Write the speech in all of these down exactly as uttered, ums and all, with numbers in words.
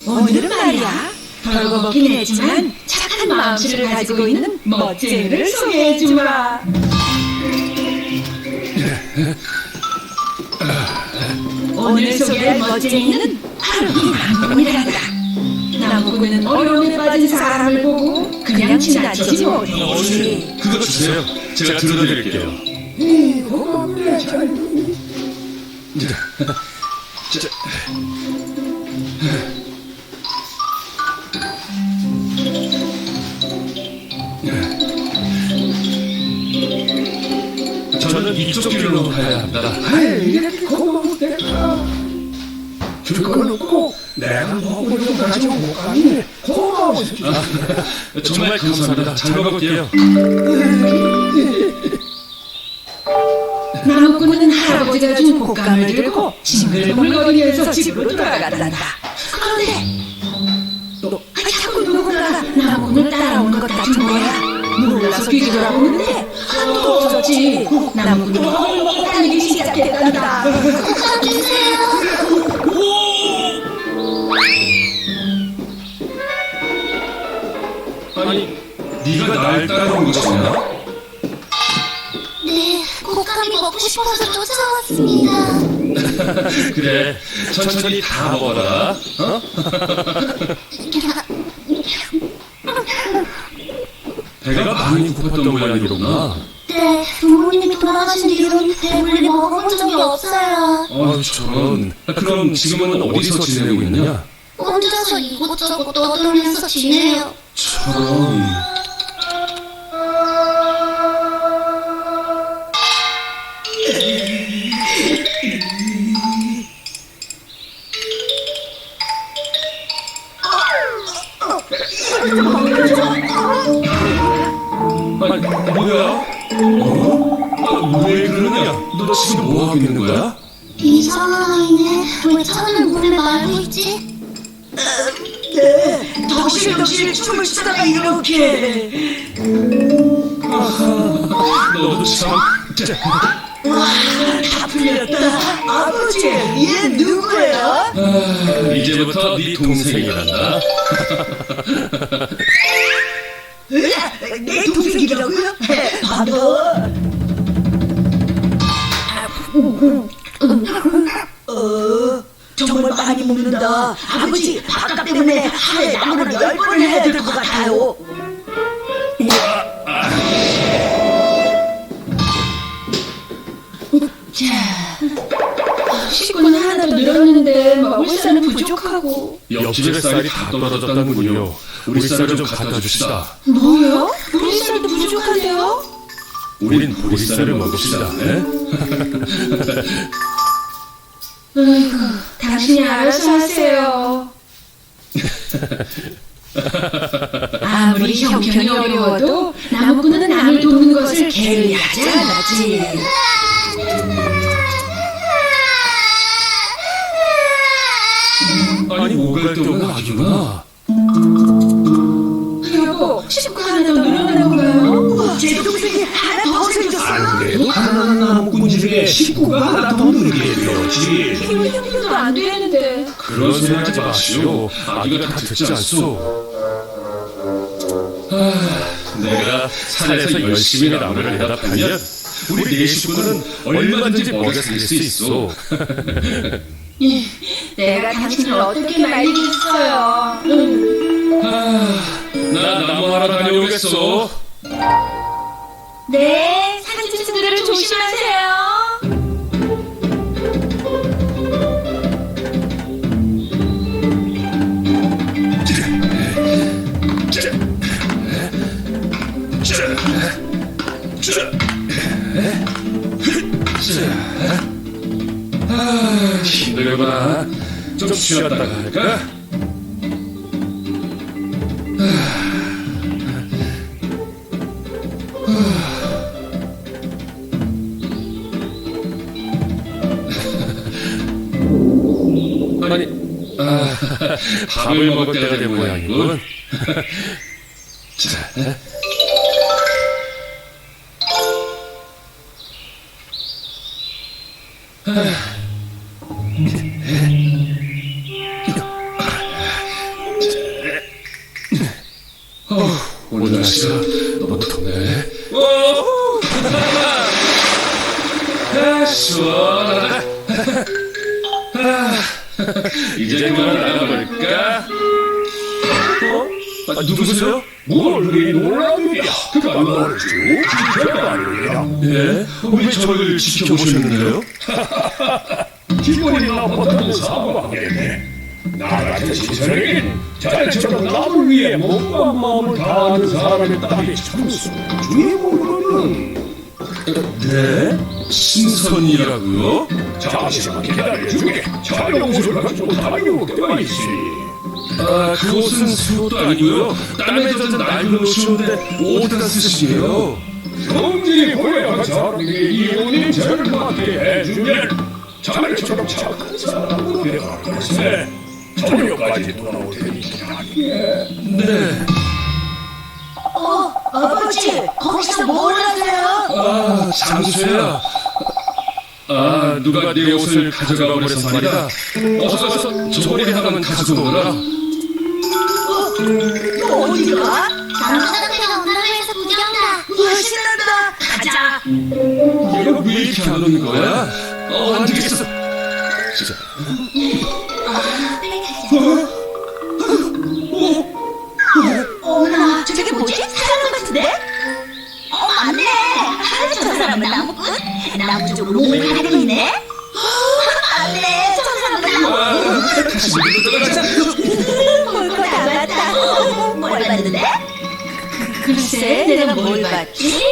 오늘은 말이야, 벌거벗긴 했지만 착한 마음씨를 가지고 있는 멋쟁이를 소개해주마. 오늘 소개할 멋쟁이는 바로 이 나무꾼이란다. 나무꾼은 어려움에 빠진 사람을 보고 그냥 지나치지 못했지. 그거 주세요. 제가 들어드릴게요. 이 고맙네, 잘. 자, 저는 이쪽 길로 가야 합니다. 아이, 이렇게 고마운 내가 줄건 없고 내가 먹으려고 가지고 못 가니 고마워. 아, 정말 감사합니다. 잘 먹을게요. 나무꾼은 할아버지가 준 곶감을 들고 징글벙글거리면서 집으로 돌아간단다. 그런데 너, 아, 자꾸 누군가가 나무꾼을 따라오는 것 같은 거야. 놀라서 뒤돌아보는데 아무도 없었지. 나무꾼이 벙벙 다니기 시작했단다. 곶감 주세요. 아니, 네가 날 따라온 것이냐? 네, 곶감이 먹고 싶어서 쫓아왔습니다. 그래, 천천히 다 먹어라. 어? 배가 많이 고팠던 모양이로구나. 네, 부모님이 돌아가신 뒤로는 배불리 먹어본 적이 없어요. 어휴, 저런. 그럼 지금은 어디서 지내고 있느냐? 혼자서 이곳저곳 떠돌면서 지내요. 저런. 아니, 뭐야? 어? 아, 왜 그러냐? 너 지금 뭐 하고 있는 거야? 이상한 아이네. 왜 차는 물에 말고 있지? 네, 덩실덩실 춤을 추다가 이렇게. 너도 참. 자, 와, 다 풀렸다. 아버지, 얘 누구야? 아, 이제부터 네 동생이란다. 내 동생이라고요? 봐봐. 어, 정말 많이 먹는다. 아버지, 밥값 때문에 하루에 나무를 열 번을 해야 될 것 같아요. 자, 식구는 하나도 늘었는데 먹을 쌀은 부족하고. 옆집에 쌀이 다 떨어졌다는군요. 우리 쌀을 좀 갖다 줍시다. 뭐요? 우리 쌀도 부족한데요? 우린 보리쌀을 먹읍시다. 에? 아이고, 당신이 알아서 하세요. 아무리 형편이 어려워도 나무꾼은 남을 돕는 것을 게을리하지 않았지. 아니, 오갈 데 없는 아기구나. 여보, 식구 하나 더 늘어나는 건가요? 제 동생이 하나 더 생겼어요. 그래도 가난한 나무꾼 집에 식구가 하나 더 늘게 되었지. 키울 형편도 안 되는데. 그런 소리 하지 마시오. 아기가 다 듣지 않소. 아, 내가 산에서 열심히 나무를 대답하면 우리 네 식구는 얼마든지 먹여 살릴 수 있어. 내가 당신을 어떻게 말리겠어요? 나 나무하러 다녀오겠어. 네, 산짐승들을 조심하세요. 아, 힘들구나. 좀 쉬었다가 할까? 아니, 아, 밥을 먹을 때가 된 모양이군. 자, 날씨가 너무 덥네. 오! 아, 시원하다. 아, 이제 그만 나가볼까? 어? 아, 누구세요? 뭘 놀랍니다. 그가 너를 쭉 지켜가느니라. 예? 왜 저를 지켜보셨는데요? 기분이 나빴다는 사과하겠네. 나 같은 신선에겐 자네처럼 남을 위해 몸과 마음을 다하는 사람의 딸이 참수 주인공으로는 네? 신선이라고요? 잠시만 기다려주게. 자네 옷을 가지고 다니는 때가 있으니 아, 그 옷은 수옷도 아니고요. 땀에 젖은 낡은 옷이었는데 어디다 쓰시게요? 성질이 고약한 사람에게 이혼인 죄를 맡게 해주면 자네처럼 착한 사람으로 되어갈 것에 저녁까지 돌아올 테니 기다리게. 네. 어, 아버지, 거기서 뭘 하세요? 아, 장수야. 아, 누가 내 옷을 가져가 버려서 말이다. 어서 가서 저리 하나만 가지고 오너라. 너 어디가? 남자들이랑 온다고 해서 구경다. 우와, 신난다. 가자. 얘가 왜 이렇게 안 오는 거야? 어, 안 되겠어. 진짜. 어머나, 저게 뭐지? 사람 같은데? 어, 맞네. 저 사람은 나무꾼? 나무 쪽으로 몸을 가리고 있네? 맞네, 저 사람은 나무꾼. 다시 물로 들어가자. 볼거 다 봤다. 뭘 봤는데? 글쎄, 내가 뭘 봤지?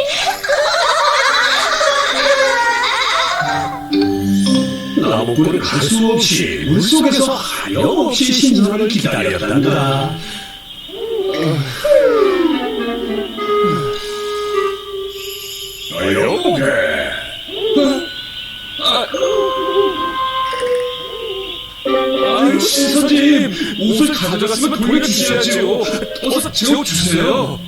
나무꾼은 갈 수 없이 물속에서 하염없이 신선을 기다렸단다. 여보게. 아유, 신선님. 옷을 가져갔으면 돌려주셔야죠. 어서 제 옷 주세요.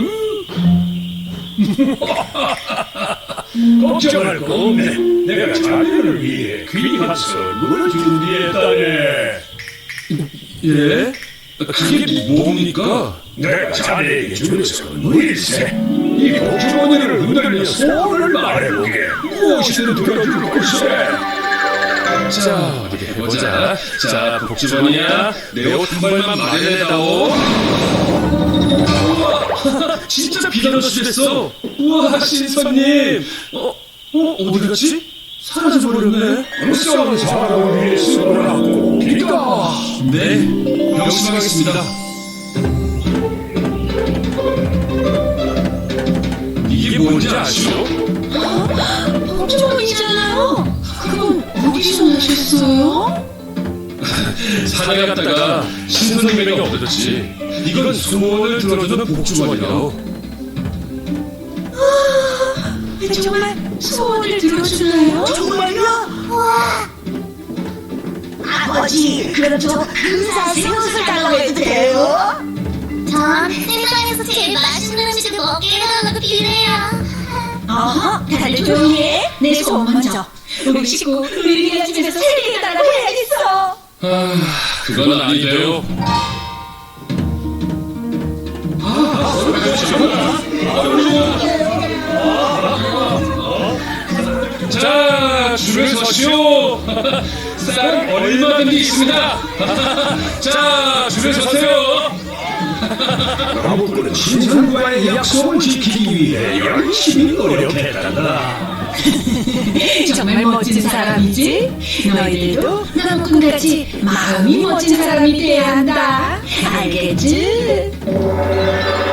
걱정할 거 없네. 내가 자네를 위해 귀한 선물을 준비했다네. 예? 그게 뭡니까? 내가 자네에게 주는 선물일세. 이 복주머니를 흔들며 소원을 말해보게. 무엇이든 들어줄 것이세. 자, 어디 해보자. 자, 복주머니야. 내 옷 한 벌만 마련해다오. 우와, 진짜 비단옷이 됐어. 우와, 신선님. 어, 어, 어디 갔지? 사라져버렸네. 불쌍한 사람을 위해 쓰노라고 기가. 네, 명심하겠습니다. 이게 뭔지 아시오? 복주머니잖아요. 그건 어디서 나셨어요? 산에 갔다가 신선님에게 얻었지. 이건 소원을 들어주는 복주머니라고. 정말 소원을 들어주나요? 정말요? 와. 아버지, 그럼 저 근사한 새옷을 달라고 해도 돼요? 전 세상에서 제일 맛있는 음식을 먹게 해달라고 비례요. 어허, 다들 조용히 해. 내 소원 먼저. 우리 식구, 우리 리아 집에서 세계 해달라고 해야겠어. 아, 그건 아니래요. 자, 줄을 서시오. 쌀 얼마든지 있습니다. 자, 줄을 서세요. 나무꾼은 신선과의 약속을 지키기 위해 열심히 노력했단다. 정말 멋진 사람이지? 너희들도 나무꾼같이 마음이 멋진 사람이 돼야 한다. 알겠지?